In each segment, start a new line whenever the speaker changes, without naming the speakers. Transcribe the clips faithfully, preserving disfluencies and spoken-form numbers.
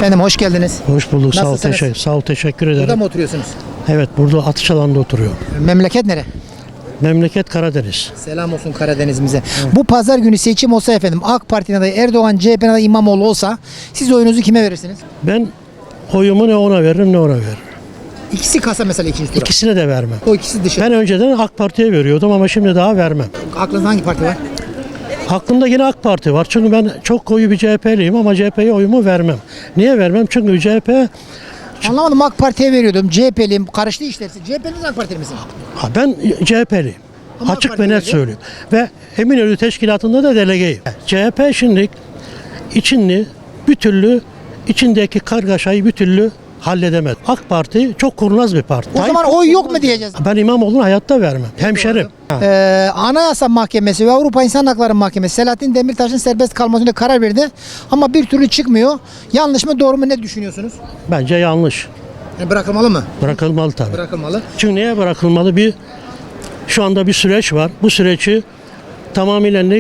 Efendim hoş geldiniz.
Hoş bulduk. Sağ ol,
Nasılsınız?
teşekkür, sağ ol, teşekkür ederim.
Burada mı oturuyorsunuz?
Evet, burada atış alanında oturuyorum.
Memleket nere?
Memleket Karadeniz.
Selam olsun Karadeniz'imize. Bu pazar günü seçim olsa efendim AK Parti'nin adayı Erdoğan, C H P'nin adayı İmamoğlu olsa siz oyunuzu kime verirsiniz?
Ben oyumu ne ona veririm ne ona veririm.
İkisi kasa mesela ikinci tura.
İkisine de vermem.
O ikisi dışı.
Ben önceden AK Parti'ye veriyordum ama şimdi daha vermem.
Aklınızda hangi parti var?
Aklımda yine AK Parti var. Çünkü ben çok koyu bir C H P'liyim ama C H P'ye oyumu vermem. Niye vermem? Çünkü C H P,
Anlamadım, AK Parti'ye veriyordum. C H P'liyim. Karıştı işler. C H P'niz AK Partili misin?
ha, ben C H P'liyim.
Ama AK
Açık ve
Parti'ye
net
veriyor.
söylüyorum. Ve Eminönü Teşkilatı'nda da delegeyim. C H P şimdi içini bir türlü içindeki kargaşayı bir türlü halledemez. AK Parti çok kurnaz bir parti.
O zaman oy yok mu diyeceğiz?
Ben İmamoğlu'nu hayatta vermem. Hemşerim. Ha.
Ee, Anayasa Mahkemesi ve Avrupa İnsan Hakları Mahkemesi Selahattin Demirtaş'ın serbest kalmasına karar verdi. Ama bir türlü çıkmıyor. Yanlış mı doğru mu ne düşünüyorsunuz?
Bence yanlış.
Yani bırakılmalı mı?
Bırakılmalı tabii.
Bırakılmalı.
Çünkü neye bırakılmalı? Bir şu anda bir süreç var. Bu süreci tamamıyla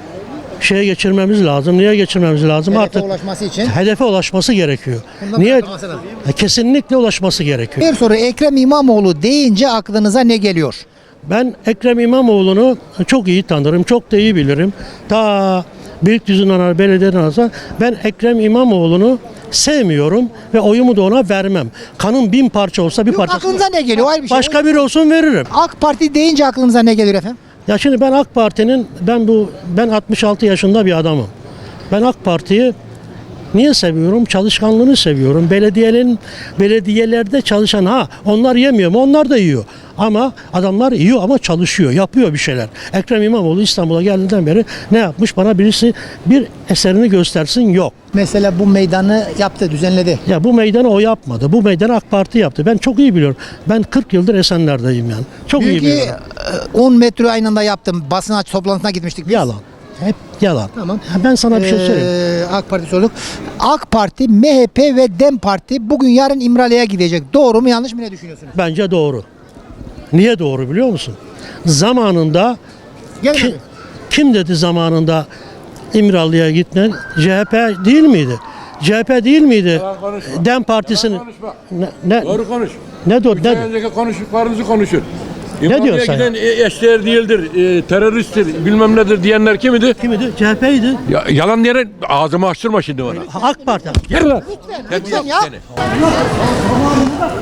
şeye geçirmemiz lazım. Niye geçirmemiz lazım?
Hedefe
Artık
ulaşması için.
hedefe ulaşması gerekiyor.
Bundan
Niye?
bırakılması lazım.
E, Kesinlikle ulaşması gerekiyor.
Bir soru, Ekrem İmamoğlu deyince aklınıza ne geliyor?
Ben Ekrem İmamoğlu'nu çok iyi tanırım, çok da iyi bilirim. Ta Beylikdüzü'nden belediyeden alsa ben Ekrem İmamoğlu'nu sevmiyorum ve oyumu da ona vermem. Kanın bin parça olsa bir
Yok,
parça.
aklınıza ne geliyor? Ayrı bir şey.
Başka biri olsun veririm.
AK Parti deyince aklınıza ne geliyor efendim?
Ya şimdi ben AK Parti'nin ben bu ben altmış altı yaşında bir adamım. Ben AK Parti'yi niye seviyorum? Çalışkanlığını seviyorum. Belediyenin belediyelerde çalışan ha onlar yemiyor mu? Onlar da yiyor. Ama adamlar yiyor ama çalışıyor, yapıyor bir şeyler. Ekrem İmamoğlu İstanbul'a geldiğinden beri ne yapmış? Bana birisi bir eserini göstersin, yok.
Mesela bu meydanı yaptı, düzenledi.
Ya bu meydanı o yapmadı. Bu meydanı AK Parti yaptı. Ben çok iyi biliyorum. Ben kırk yıldır Esenler'deyim yani. Çok iyi
Diyor ki
biliyorum.
e, on metro aynı anda yaptım. Basın aç toplantısına gitmiştik biz.
Yalan. Hep yalan.
Tamam.
Ha, Ben sana bir şey söyleyeyim.
Ee, AK Parti sorduk. AK Parti, M H P ve DEM Parti bugün yarın İmralı'ya gidecek. Doğru mu yanlış mı ne düşünüyorsunuz?
Bence doğru. Niye doğru biliyor musun? Zamanında
Gel
ki-
abi.
kim dedi zamanında İmralı'ya gitmen? C H P değil miydi? C H P değil miydi?
Yalan konuşma.
DEM Partisi'nin
Yalan konuşma.
ne ne
Doğru konuş.
ne doğru
Üç
ne
ay önceki konuştuklarınızı konuşun.
diyorsun
İmralı'ya
sen
giden e, eşdeğer değildir, e, teröristtir, bilmem nedir diyenler kimidi?
kimdi? C H P'ydi.
Ya, yalan diyerek ağzımı açtırma şimdi bana.
AK Parti.
Gel lan.
Lütfen ya.